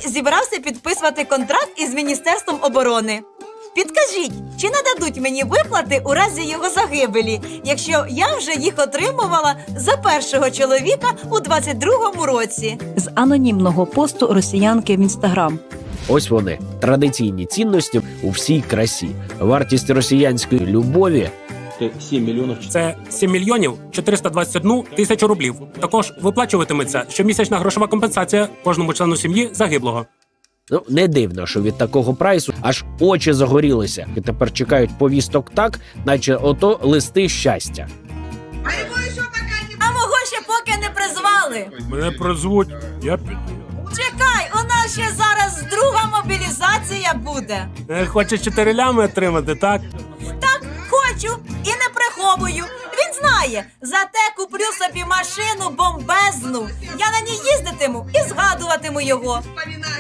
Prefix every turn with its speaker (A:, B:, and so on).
A: зібрався підписувати контракт із Міністерством оборони. Підкажіть, чи нададуть мені виплати у разі його загибелі, якщо я вже їх отримувала за першого чоловіка у 22-му році?
B: З анонімного посту росіянки в Інстаграм.
C: Ось вони, традиційні цінності у всій красі. Вартість росіянської любові
D: 7 мільйонів.
E: Це 7 мільйонів 421 тисячу рублів. Також виплачуватиметься щомісячна грошова компенсація кожному члену сім'ї загиблого.
C: Ну, не дивно, що від такого прайсу аж очі загорілися. І тепер чекають повісток так, наче ото листи щастя.
A: А мого ще поки не призвали.
E: Мене призвуть, я піду.
A: Чекай, у нас ще зараз друга мобілізація буде.
E: Хочеш 4 лями отримати, так?
A: Так, хочу і не приховую. Він знає, зате куплю собі машину бомбезну. Я на ній їздитиму і згадуватиму його.